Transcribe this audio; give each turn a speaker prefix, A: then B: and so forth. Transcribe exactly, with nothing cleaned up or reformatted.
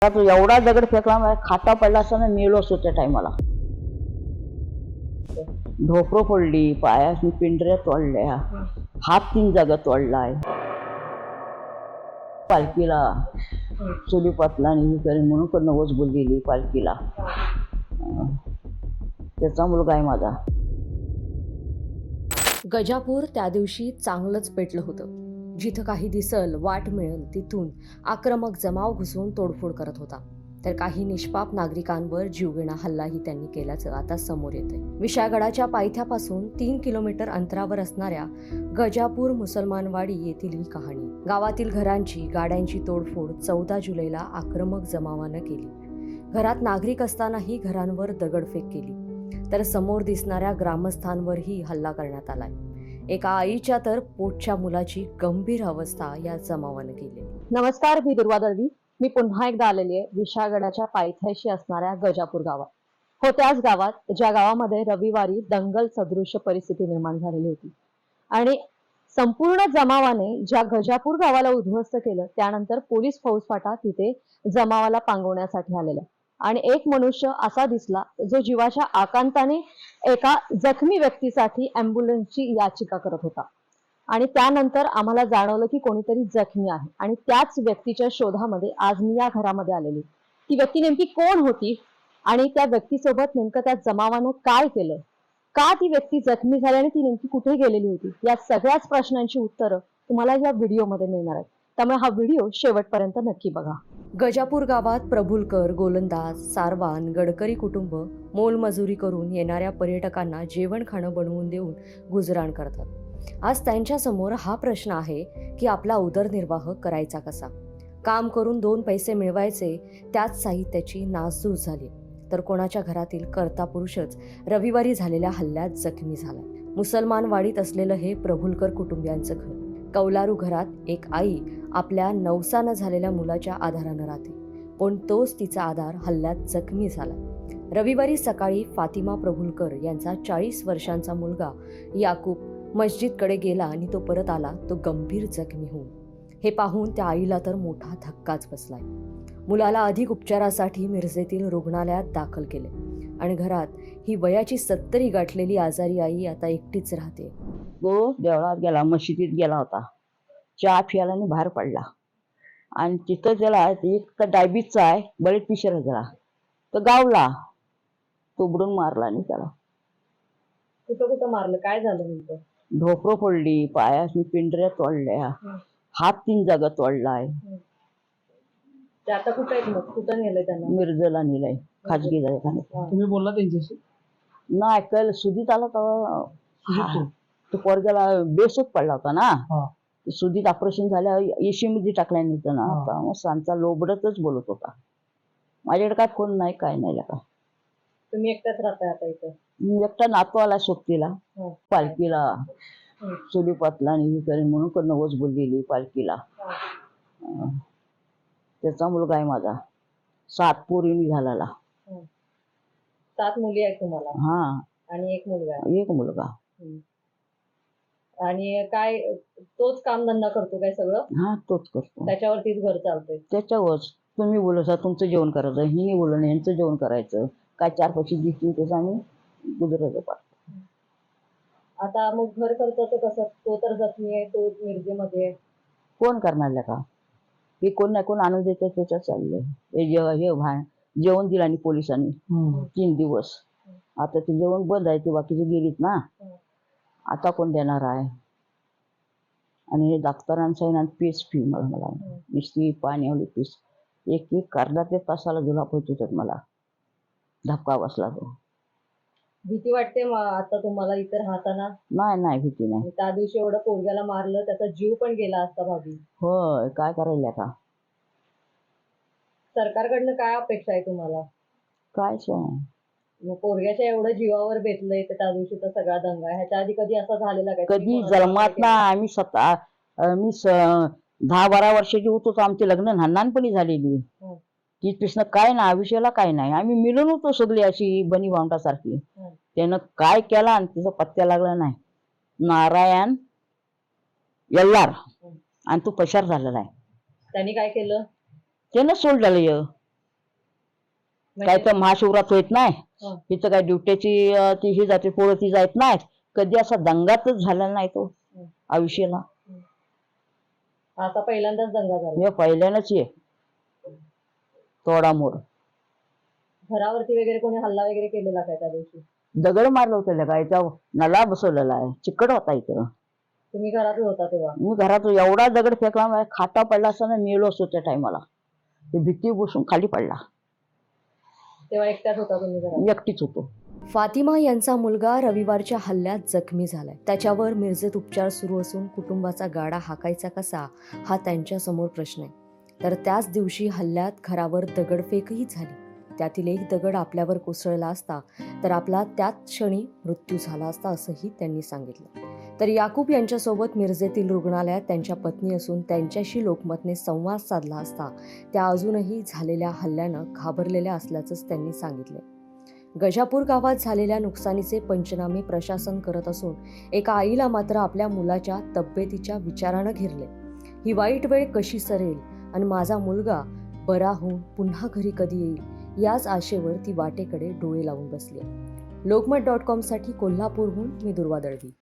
A: तो एवढा दगड फेकला माझ्या खाता पडला असताना मेलो असतो त्या टायमाला. ढोपरं फोडली, पायासनी पिंढऱ्या तोडल्या, हात तीन जागा तोडलाय. पालखीला चुली पाटलाने ही करी म्हणून पण नवस बोललेली पालखीला. त्याचा मुलगा आहे माझा.
B: गजापूर त्या दिवशी चांगलंच पेटलं होतं. जिथं काही दिसल वाट मिळेल तिथून आक्रमक जमाव घुसून तोडफोड करत होता. तर काही निष्पाप नागरिकांवर जीवघेणा हल्लाही त्यांनी केल्याचं आता समोर येतंय. विशाळगडाच्या पायथ्यापासून तीन किलोमीटर अंतरावर असणाऱ्या गजापूर मुसलमानवाडी येथील ही कहाणी. गावातील घरांची गाड्यांची तोडफोड चौदा जुलैला आक्रमक जमावानं केली. घरात नागरिक असतानाही घरांवर दगडफेक केली, तर समोर दिसणाऱ्या ग्रामस्थांवरही हल्ला करण्यात आलाय. एका आईच्या तर पोटच्या मुलाची गंभीर अवस्था या जमावानं केली.
C: नमस्कार, मी दुर्वा दळवी. मी पुन्हा एकदा आलेली आहे विशाळगडाच्या पायथ्याशी असणाऱ्या गजापूर गावात. हो, त्याच गावात ज्या गावामध्ये रविवारी दंगल सदृश्य परिस्थिती निर्माण झालेली होती आणि संपूर्ण जमावाने ज्या गजापूर गावाला उद्ध्वस्त केलं, त्यानंतर पोलीस फौजफाटा तिथे जमावाला पांगवण्यासाठी आलेला आणि एक मनुष्य असा दिसला जो जीवाच्या आकांताने एका जखमी व्यक्तीसाठी अँब्युलन्सची याचिका करत होता. आणि त्यानंतर आम्हाला जाणवलं की कोणीतरी जखमी आहे आणि त्याच व्यक्तीच्या शोधामध्ये आज मी या घरामध्ये आलेली. ती व्यक्ती नेमकी कोण होती आणि त्या व्यक्तीसोबत नेमकं त्या जमावानं काय केलं, का ती व्यक्ती जखमी झाली आणि ती नेमकी कुठे गेलेली होती, या सगळ्याच प्रश्नांची उत्तरं तुम्हाला या व्हिडिओमध्ये मिळणार आहेत. त्यामुळे हा व्हिडिओ शेवटपर्यंत नक्की बघा.
B: गजापूर गावात प्रभुलकर, गोलंदाज, सारवान, गडकरी कुटुंब मोलमजुरी करून येणाऱ्या पर्यटकांना जेवण खाणं बनवून देऊन गुजराण करतात. आज त्यांच्या समोर हा प्रश्न आहे की आपला उदरनिर्वाह करायचा कसा. काम करून दोन पैसे मिळवायचे, त्याच साहित्याची नासधूस झाली. तर कोणाच्या घरातील कर्ता पुरुषच रविवारी झालेल्या हल्ल्यात जखमी झाला. मुसलमान वाडीत असलेलं हे प्रभुलकर कुटुंबियांचं घर. कौलारू घरात एक आई आपल्या नवसानं झालेल्या मुलाच्या आधारानं राहते, पण तोच तिचा आधार हल्ल्यात जखमी झाला. रविवारी सकाळी फातिमा प्रभुलकर यांचा चाळीस वर्षांचा मुलगा याकूब मस्जिदकडे गेला आणि तो परत आला तो गंभीर जखमी होऊन. हे पाहून त्या आईला तर मोठा धक्काच बसलाय. मुलाला अधिक उपचारासाठी मिरजेतील रुग्णालयात दाखल केले आणि घरात ही वयाची सत्तरी गाठलेली आजारी आई आता एकटीच राहते.
A: तो देवळात गेला, मशिदीत गेला होता, चहा प्यायला आणि बाहेर पडला आणि तिथं त्याला एक तर डायबिटीसचा आहे, बळीत पिशर गेला, तर गावला तो बुडून मारला आणि त्याला.
C: कुठं कुठं मारलं, काय झालं नेमकं?
A: ढोपरं फोडली, पायासनी पिंढऱ्या तोडल्या, हात तीन जागा तोडलाय.
C: ते आता कुठं आहेत मग? कुठं नेलंय त्यांना?
A: मिरजेला नेलाय, खाजगी दवाखान्यात.
D: तुम्ही बोलला त्यांच्याशी?
A: नाही ऐकायला सुधीत आला तेव्हा तो पोरग्याला बेसूत पडला होता ना. सुधीत ऑपरेशन झाल्या एशी मध्ये टाकल्या नव्हतं ना, मग सांचा लोबडतच बोलत होता. माझ्याकडे काय फोन नाही, काय नाही का.
C: तुम्ही एकटाच राहताय आता इथं?
A: मी एकटा नातू आला सोबतीला. पालखीला चुली पाटलाने ही करी म्हणून पण नवस बोललेली पालखीला. त्याचा मुलगा आहे माझा. सात पोरींनी झालेला.
C: सात मुली आहेत तुम्हाला?
A: हा,
C: आणि एक मुलगा आहे?
A: एक मुलगा.
C: आणि काय तोच काम धंदा करतो काय सगळं?
A: हा, तोच करतो.
C: त्याच्यावरतीच घर चालतंय?
A: त्याच्यावरच. तुम्ही बोलसा तुमचं जेवण करायचं, हिने बोलणं यांचं जेवण करायचं, काय चार पैसे दिसतील त्याचं आम्ही गुजरात पाडतो.
C: आता मग घर खर्चाचं कसं? तो तर जखमी आहे, तो मिरजेमध्ये आहे.
A: कोण करणार का? हे कोण नाही कोण आणून देते त्याच्यात चाललंय. हे जेव्हा हे भान जेवण दिलं आणि पोलिसांनी तीन दिवस. आता ते जेवण बंद आहे, ते बाकीचे गेलीत ना. आता कोण देणार आहे? आणि हे डॉक्टरांचं आहे ना, पीस फी मला मला नुसती पाण्यावली पीस एक एक अर्धा ते तासाला जुलाब होत होतात मला. धक्का बसला तो.
C: भीती वाटते आता तुम्हाला इथं राहताना?
A: नाही नाही, भीती नाही.
C: त्या दिवशी एवढं पोरग्याला मारलं, त्याचा जीव पण गेला असता भाभी.
A: होय, काय करायला का?
C: सरकारकडनं काय अपेक्षा आहे तुम्हाला?
A: काय
C: मग पोरग्याच्या एवढं जीवावर बेतलंय तर त्या दिवशीचा सगळा दंगा, ह्याच्या आधी कधी असा झालेला काय?
A: कधी जन्मात ना आम्ही स्वतः मी दहा बारा वर्षाची होतो, आमचे लग्न लहानपणी झालेली. तिथपासून काय ना आयुष्याला काय नाही, आम्ही मिळून होतो सगळी अशी बनी भावंडासारखी. त्यानं काय केला आणि तिचा पत्त्या लागला नाही. नारायण यल्लार आणि तो पशार झालेला आहे.
C: त्यांनी काय केलं?
A: त्यानं सोडलेलं. काय तर महाशिवरात्र होत नाही
C: हं.
A: तिथं काय ड्युटीची अं, ती ही जाते पोरं ती जात नाहीत. कधी असा दंगातच झाला नाही तो
C: हं.
A: आयुष्याला.
C: आता पहिल्यांदाच दंगा झाला.
A: हे पहिल्यानंच ये तोडामोड
C: घरावरती वगैरे कोणी हल्ला वगैरे केलेला काय त्या दिवशी?
A: दगड मारलं होतं काय त्या नला बसवलेला आहे चिकट होता इथं.
C: तुम्ही घरातच होता तेव्हा?
A: मी घरात एवढा दगड फेकला माझ्या खाटा पडला असताना मेलो असतो त्या टायमाला. ते भीती बसून खाली पडला.
C: तेव्हा एकट्याच होता तुम्ही घरात?
A: एकटीच होतो.
B: फातिमा यांचा मुलगा रविवारच्या हल्ल्यात जखमी झालाय. त्याच्यावर मिरजेत उपचार सुरू असून कुटुंबाचा गाडा हाकायचा कसा हा त्यांच्या समोर प्रश्न आहे. तर त्याच दिवशी हल्ल्यात घरावर दगडफेकही झाली. त्यातील एक दगड आपल्यावर कोसळला असता तर आपला त्याच क्षणी मृत्यू झाला असता असंही त्यांनी सांगितलं. तर याकूब यांच्यासोबत मिरजेतील रुग्णालयात त्यांच्या पत्नी असून त्यांच्याशी लोकमतने संवाद साधला असता त्या अजूनही झालेल्या हल्ल्यानं घाबरलेल्या असल्याचंच त्यांनी सांगितलं. गजापूर गावात झालेल्या नुकसानीचे पंचनामे प्रशासन करत असून एका आईला मात्र आपल्या मुलाच्या तब्येतीच्या विचारानं घेरले. ही वाईट वेळ कशी सरेल आणि माझा मुलगा बरा होऊन पुन्हा घरी कधी येईल याच आशेवर ती वाटेकडे डोळे लावून बसली. लोकमत डॉट कॉमसाठी कोल्हापूरहून मी दुर्वा दळवी.